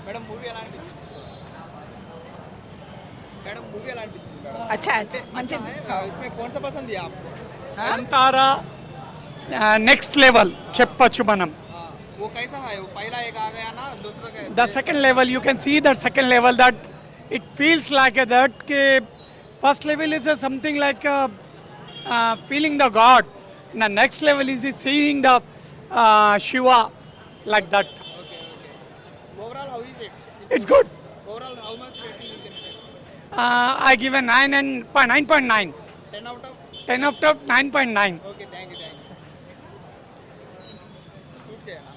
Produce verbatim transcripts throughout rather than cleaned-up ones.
Madam movie ఎలా అనిపించింది? Madam movie ఎలా అనిపించింది? अच्छा अच्छा మంచిది. इसमें कौन सा पसंद है आपको? कांतारा नेक्स्ट लेवल చెప్పొచ్చు మనం. वो कैसा है? वो पहला एक आ गया ना, दूसरा का The second level, you can see that second level that it feels like a, that ke first level is a something like a, uh, feeling the God. And the next level is seeing the uh, Shiva like that. Okay, okay. Overall, how is it? It's good. Overall, how much rating you can give? Uh, I give a nine and nine point nine. ten out of? ten out of nine point nine. Okay, thank you, thank you. Shoot చేయనా?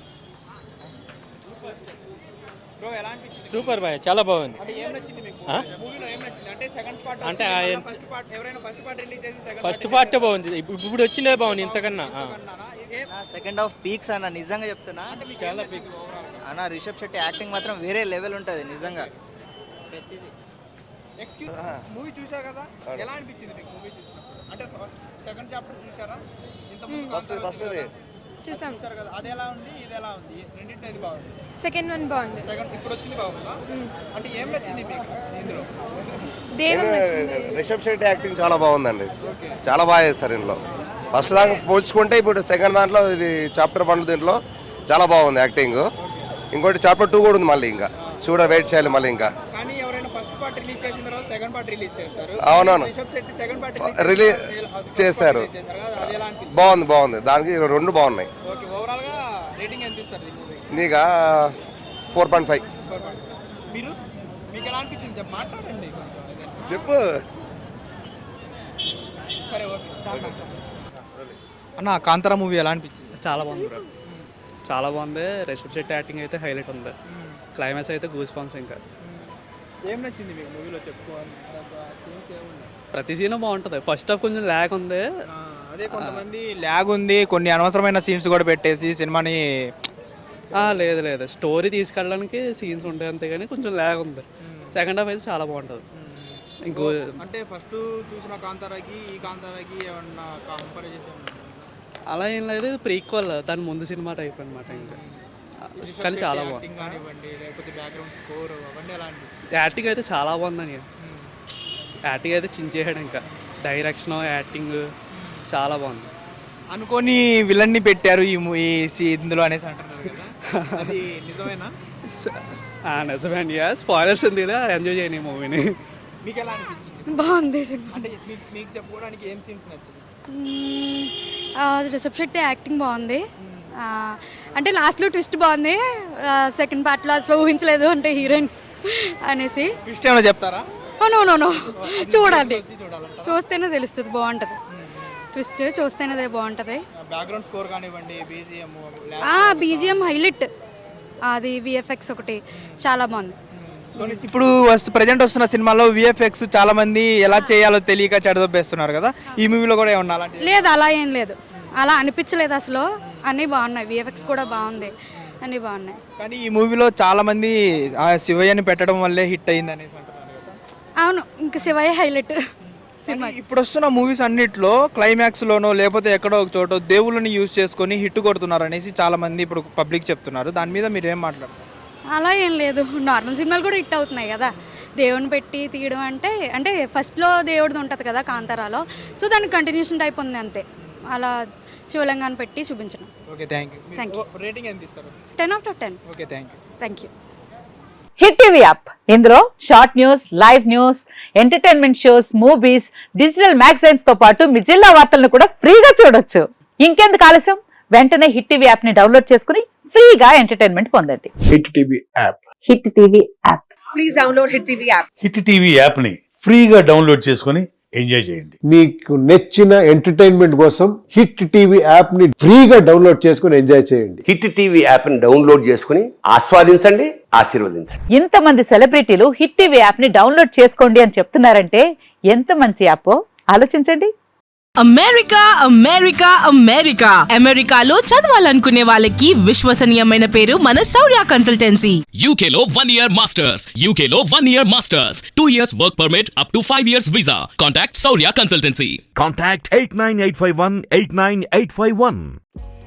Bro, ఎలా అనిపించింది? Super boy, చాలా బాగుంది. అంటే ఏం నచ్చింది మీకు? మూవీలో ఏం నచ్చింది? అంటే సెకండ్ పార్ట్ అంటే ఫస్ట్ పార్ట్ ఎవరైనా ఫస్ట్ పార్ట్ రిలీజ్ చేసి సెకండ్ ఫస్ట్ పార్ట్ బాగుంది, ఇప్పుడు ఇప్పుడు వచ్చిందే బాగుంది ఇంతకన్నా. సెకండ్ హాఫ్ పీక్స్ అన్న, నిజంగా చెప్తున్నా. చాలా బిగ్ అన్న రిషబ్ శెట్టి యాక్టింగ్ మాత్రం వేరే లెవెల్ ఉంటుంది నిజంగా. ప్రతిదీ ఎక్స్క్యూజ్ మూవీ చూశారు కదా, ఎలా అనిపించింది మీకు మూవీ చూసినప్పుడు? అంటే సెకండ్ చాప్టర్ చూసారా? ఇంత ముందు ఫస్ట్ ఫస్ట్ చూసాం చూసారు కదా, అది ఎలా ఉంది ఇది ఎలా ఉంది? రెండింటి ఇది బాగుంది, సెకండ్ వన్ బాగుంది. సెకండ్ ఇప్పుడు వచ్చింది బాగుందా? అంటే ఏం నచ్చింది మీకు ఇందులో? దేవం నచ్చింది. రిషబ్ శెట్టి యాక్టింగ్ చాలా బాగుందండి, చాలా బాగా చేస్తారు ఇందులో. ఫస్ట్ దాకా పోల్చుకుంటే ఇప్పుడు సెకండ్ దాంట్లో ఇది చాప్టర్ వన్ దీంట్లో చాలా బాగుంది యాక్టింగ్. ఇంకోటి చాప్టర్ టూ కూడా ఉంది మళ్ళీ, ఇంకా చూడ వెయిట్ చేయాలి మళ్ళీ ఇంకా. కానీ ఎవరైనా ఫస్ట్ పార్ట్ రిలీజ్ చేసిన తర్వాత సెకండ్ పార్ట్ రిలీజ్ చేస్తారు. అవునవును, Rishab Shetty second part release చేశారు, అది ఎలా అనిపిస్తుంది? బాగుంది బాగుంది, దానికి రెండు బాగున్నాయి. ఓకే, ఓవరాల్ గా రేటింగ్ ఎంత ఇస్తారు ఈ మూవీ? నీగా ఫోర్ పాయింట్ ఫైవ్. మీరు మీకు ఎలా అనిపించింది చెప్పు, మాట్లాడండి కొంచెం. చెప్పు. సరే ఓకే. అన్న కాంతారా మూవీ ఎలా అనిపించింది? చాలా బాగుంది బ్రో, చాలా బాగుంది. రిషబ్ శెట్టి యాక్టింగ్ అయితే హైలైట్ ఉంది, క్లైమాక్స్ అయితే గూస్ బంప్స్. ఇంకా ఏం నచ్చింది మీకు మూవీలో చెప్పుకోవాలి? సీన్స్ ఏమున్నాయి? ప్రతి సీన్ బాగుంటుంది. ఫస్ట్ హాఫ్ కొంచెం ల్యాగ్ ఉంది, అదే కొంతమంది ల్యాగ్ ఉంది, కొన్ని అనవసరమైన సీన్స్ కూడా పెట్టేసి సినిమాని. లేదు లేదు స్టోరీ తీసుకెళ్ళడానికి సీన్స్ ఉంటాయి అంతే, కానీ కొంచెం ల్యాగ్ ఉంది. సెకండ్ హాఫ్ అయితే చాలా బాగుంటుంది. ఇంకో అంటే ఫస్ట్ చూసిన కాంతారాకి ఈ కాంతారాకి ఏమన్నా కంపారిజన్? అలా ఏం లేదు, ప్రీక్వల్ దాని ముందు సినిమా టైప్ అనమాట. ఇంకా కానీ చాలా బాగుంది. లేకపోతే బ్యాక్గ్రౌండ్ స్కోర్ అవన్నీ ఎలా అనిపించింది? యాక్టింగ్ అయితే చాలా బాగుందని, యాక్టింగ్ అయితే చించేయడం. ఇంకా డైరెక్షన్ యాక్టింగ్ చాలా బాగుంది. అనుకోని విలన్ ని పెట్టారు ఈ మూవీ ఇందులో అనేసి అంటున్నారు కదా, అది నిజమేనా? నిజమే అండి, స్పాయిలర్స్ ఉంది, ఎంజాయ్ చేయని మూవీని. మీకు ఎలా అనిపించింది? బాగుంది సినిమా. అంటే మీకు చెప్పుకోవడానికి ఏం సీన్స్ నచ్చింది? రిషబ్ శెట్టి యాక్టింగ్ బాగుంది. అంటే లాస్ట్లో ట్విస్ట్ బాగుంది. సెకండ్ పార్ట్లో అసలు ఊహించలేదు అంటే హీరోయిన్ అనేసి. ట్విస్ట్ ఏమైనా చెప్తారా? నో నో నో చూడాలి, చూస్తేనే తెలుస్తుంది, బాగుంటుంది. ట్విస్ట్ చూస్తేనే బాగుంటుంది. బ్యాక్గ్రౌండ్ స్కోర్ కానివ్వండి, బీజిఎం బీజిఎం హైలైట్, అది విఎఫ్ఎక్స్ ఒకటి చాలా బాగుంది. ఇప్పుడు వస్తు ప్రజెంట్ వస్తున్న సినిమాలో విఎఫ్ఎక్స్ చాలా మంది ఎలా చేయాలో తెలియక చెడదొబ్బేస్తున్నారు కదా, ఈ మూవీలో కూడా ఏమన్నా అలాంటి? లేదు, అలా ఏం లేదు, అలా అనిపించలేదు అసలు. అన్నీ బాగున్నాయి, విఎఫ్ఎక్స్ కూడా బాగుంది, అన్నీ బాగున్నాయి. కానీ ఈ మూవీలో చాలా మంది ఆ శివయ్యని పెట్టడం వల్లే హిట్ అయింది అనేసి అంటున్నారు కదా. అవును, ఇంకా శివయ్య హైలైట్ సినిమా. ఇప్పుడు వస్తున్న మూవీస్ అన్నిట్లో క్లైమాక్స్ లోనో లేకపోతే ఎక్కడో ఒక చోట దేవుళ్ళని యూజ్ చేసుకొని హిట్ కొడుతున్నారు అనేసి చాలా మంది ఇప్పుడు పబ్లిక్ చెప్తున్నారు. దాని మీద మీరు ఏం మాట్లాడతారు? అలా ఏం లేదు, నార్మల్ సినిమాలు కూడా హిట్ అవుతున్నాయి కదా. దేవుని పెట్టి తీయడం అంటే అంటే ఫస్ట్లో దేవుడిది ఉంటుంది కదా కాంతారాలో, సో దానికి కంటిన్యూషన్ టైప్ ఉంది అంతే. అలా శివలింగాన్ని పెట్టి చూపించడం. Okay, thank you. Thank you. Rating ఎంత ఇస్తారు? Ten of ten. Okay, thank you. Thank you. Hit TV app, ఇందులో short news, live news, entertainment shows, movies, digital magazines తో పాటు మీ జిల్లా వార్తలను కూడా ఫ్రీగా చూడొచ్చు. ఇంకెందుకు ఆలస్యం, వెంటనే హిట్ టీవీ యాప్ ని డౌన్లోడ్ చేసుకుని ఫ్రీగా ఎంటర్టైన్మెంట్ పొందండి. Hit TV app, hit TV app, please download hit TV app. Hit TV app ని ఫ్రీగా డౌన్లోడ్ చేసుకుని ఎంజాయ్ చేయండి. మీకు నచ్చిన ఎంటర్టైన్మెంట్ కోసం హిట్ టీవీ యాప్ ని ఫ్రీగా డౌన్లోడ్ చేసుకుని ఎంజాయ్ చేయండి. హిట్ టీవీ యాప్ ని డౌన్లోడ్ చేసుకుని ఆస్వాదించండి, ఆశీర్వదించండి. ఇంతమంది సెలబ్రిటీలు హిట్ టీవీ యాప్ ని డౌన్లోడ్ చేసుకోండి అని చెప్తున్నారంటే ఎంత మంచి యాప్ ఆలోచించండి. అమెరికా అమెరికా అమెరికా అమెరికాలో చదవాలనుకునే వాళ్ళకి విశ్వసనీయమైన పేరు మన శౌర్య కన్సల్టెన్సీ. యూకేలో వన్ ఇయర్ మాస్టర్స్, యూకేలో one year masters, two years work permit, up to five years visa. Contact Shaurya consultancy. Contact eight nine eight five one eight nine eight five one.